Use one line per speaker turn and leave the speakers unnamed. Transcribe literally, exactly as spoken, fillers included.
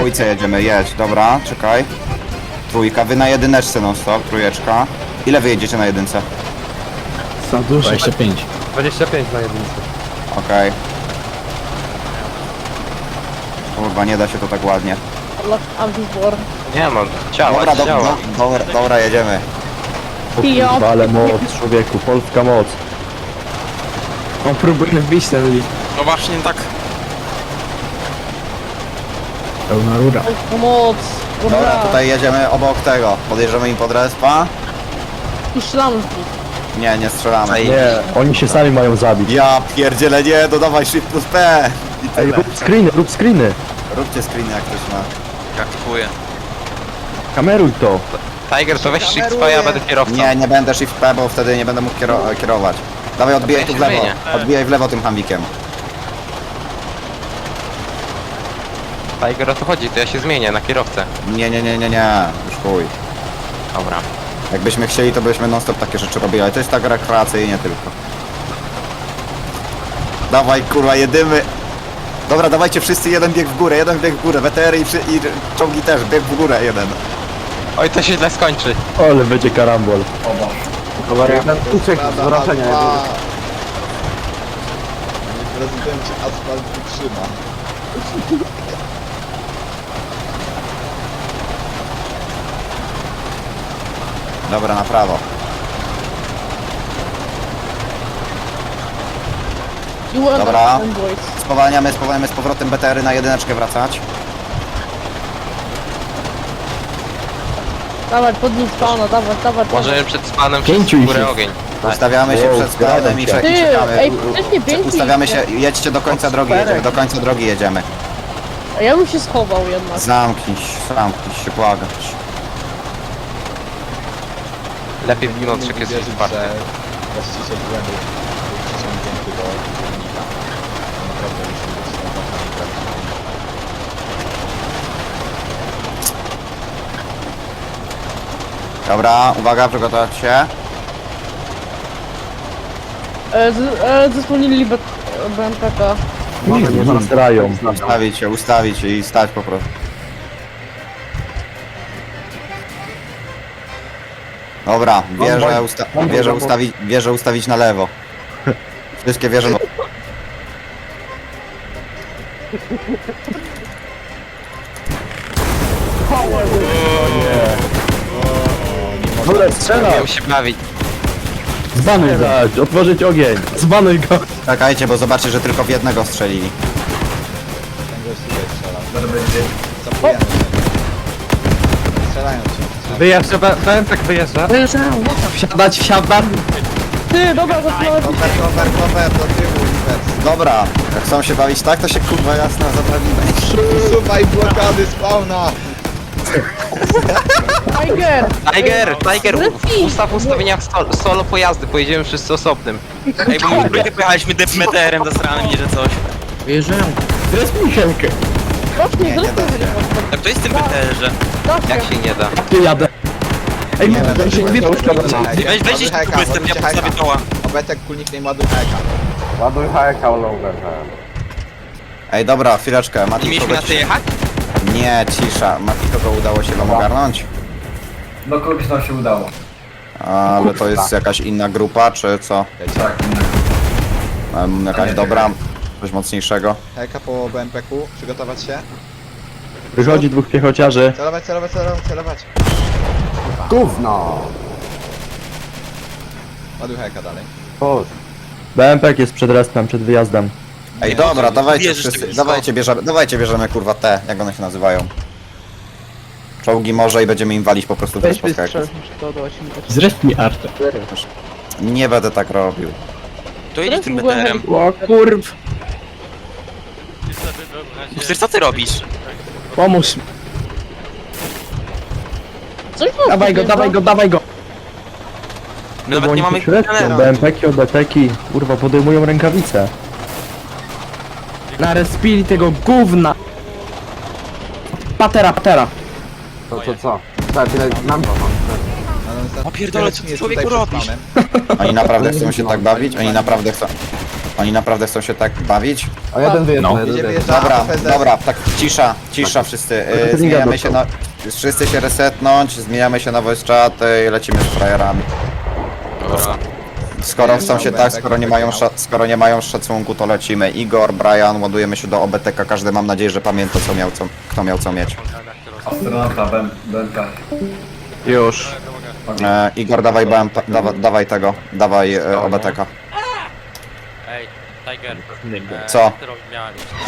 dwójce jedziemy, jedź, dobra, czekaj. Trójka, wy na jedyneczce non stop, trójeczka. Ile wy jedziecie na jedynce?
Za dużo.
dwadzieścia pięć.
dwadzieścia pięć na jedynce.
Okej. Kurwa, nie da się to tak ładnie.
Ambivor.
Nie no, ciała,
Dobra, do,
ciała.
do, dobra, dobra, jedziemy.
Ja
Kurwa, ale moc, człowieku, polska moc. On próbuje wbić ten list.
No właśnie tak.
Pełna rura.
pomoc.
Dobra,
Dobra.
tutaj jedziemy obok tego. Podjeżdżamy im pod respa.
I strzelam z nich.
Nie, nie strzelamy.
Ej.
Nie, oni się sami mają zabić.
Ja pierdzielę, nie, dodawaj shift plus P. I
Ej,
tyle.
rób screeny, rób screeny.
Róbcie screen jak ktoś ma.
Jak kupuję.
Kameruj to.
Tiger, to weź shift P, ja będę kierowcą.
Nie, nie będę shift P, bo wtedy nie będę mógł kiero kierować. Dawaj, odbijaj tu w
Dobra, ja
lewo.
się zmienię.
Odbijaj w lewo tym hambikiem.
Tiger, o to chodzi, to ja się zmienię na kierowcę.
Nie, nie, nie, nie, nie. Już chuj.
Dobra.
Jakbyśmy chcieli, to byśmy non stop takie rzeczy robili, ale to jest tak rekreacyjnie tylko. Dawaj, kurwa, jedymy. Dobra, dawajcie wszyscy jeden bieg w górę, jeden bieg w górę. W T R i, przy- i czołgi też, bieg w górę jeden.
Oj, to się źle skończy.
Ale będzie karambol.
Jeden uciekł z wrażenia.
Prezydencie asfalt wytrzyma.
Dobra, na prawo.
You want
Dobra.
them, boys.
Spowalniamy, spowalniamy z powrotem B T R y na jedyneczkę wracać.
Dawaj, podnieś spawna, dawaj, dawaj.
Możemy przed spanem
Pięciu
wszyscy w
ich
górę
jest.
ogień.
Ustawiamy się
Wow,
przed składem i,
zgadzam
cze-
się.
i
Ty,
czekamy.
ej,
U- u-
wcześniej
cze-
pięciu
Ustawiamy
ich
się, jedźcie do końca drogi, jedziemy, do końca drogi jedziemy.
A ja bym się schował jednak.
Zamknij się, zamknij się, błagać.
Lepiej w wnątrz jest
Wierzyć,
czwarty.
że właściciel błędu był przyciągnięty do silnika. Naprawdę musi być naprawdę nieprawdopodobne.
Dobra, uwaga, przygotować się.
E, z, e, zasłonili B- B M P K.
Nie, nie zasrają.
Ustawić się, ustawić się i stać po prostu. Dobra, wieżę, usta wieżę, ustawić, wieżę ustawić na lewo. Wszystkie wieże...
Dobra, strzela!
Miałem się bawić.
Zbanuj go! Otworzyć ogień! Zbanuj go!
Czekajcie, bo zobaczcie, że tylko w jednego strzelili.
Ten gość tutaj strzelał. Zapujemy się. Strzelają się.
Wyjeżdża, B M P wyjeżdża.
Wsiadać, wsiadam!
Ty, dobra, zaczynamy.
Koper, koper, koper, do tyłu, inwers.
Dobra, jak chcą się bawić tak, to się kurwa jasno zaprawimy.
Usuwaj blokady spawna!
Tiger!
Tiger, Tiger,
Zresztą-
u- ustaw ustawienia sto- solo pojazdy, pojedziemy wszyscy osobnym. Ej, bo my trójkę pojechaliśmy meteorem zasranym, nie że coś.
Wyjeżdżają.
Zresztą Michelkę!
Rocznie,
Nie, nie
zresztą
da się.
A kto jest w tym meteorze? Jak się nie da?
Tu jadę! Ej,
Nie,
ten się nie uszkodzona.
Weź, weź jeszcze tu jestem, ja postawię toła.
Obetek kulnik nie ładuj heka.
Ładuj hajka, longer.
Ej, dobra, chwileczkę,
Nie
Mati,
mieliśmy na
kogoś...
ty jechać?
Nie, cisza. Mati, kogo udało się wam ogarnąć?
No kogoś nam się udało.
Ale to jest jakaś inna grupa, czy co?
Tak.
Em, Jakaś dobra, coś mocniejszego?
Heka po B M P ku, przygotować się.
Wychodzi dwóch piechociarzy.
Celować, celować, celować, celować.
Gówno.
Ładuj heka dalej.
B M P jest przed respem, przed wyjazdem.
Ej, dobra, dawajcie
Bierzesz
wszyscy,
tego
dawajcie bierzemy, dawajcie bierzemy kurwa te, jak one się nazywają. Czołgi może i będziemy im walić po prostu w spotkaniach.
Zresztą mi Artę.
Nie będę tak robił.
To jedź tym
Zresztą
meteorem.
O kurw!
Chcesz, co ty robisz?
Pomóż!
Coś wam
Dawaj go,
podjeżdża?
dawaj go, dawaj go!
My nawet nie mamy
Średnią,
kontenera.
B M P-ki, O B T-ki, kurwa, podejmują rękawice. Narespili tego gówna! Patera, patera!
To, to co? Tak, tyle nam
O pierdolę, co ty człowieku robisz?
Oni naprawdę chcą się tak bawić? Oni naprawdę chcą... Oni naprawdę chcą się tak bawić?
O, jeden wyjeżdża,
No.
jeden
Będzie
wyjeżdża.
wyjeżdżała
Dobra,
P Z.
dobra, tak cisza, cisza wszyscy.
Tylko
Yy,
nie
zmieniamy
gadał
się
to.
na... Wszyscy się resetnąć, zmieniamy się na voice chat i lecimy z frajerami.
Dobra.
Skoro chcą się tak, skoro nie mają, sza- skoro nie mają szacunku, to lecimy. Igor, Brian, ładujemy się do O B T K, każdy mam nadzieję, że pamięta co miał, co, kto miał co mieć.
Astronauta, Ben, Benka.
Już.
E, Igor, dawaj, B M P, dawa, dawaj tego, dawaj e, O B T K.
Ej, Tiger.
Co?
Miałem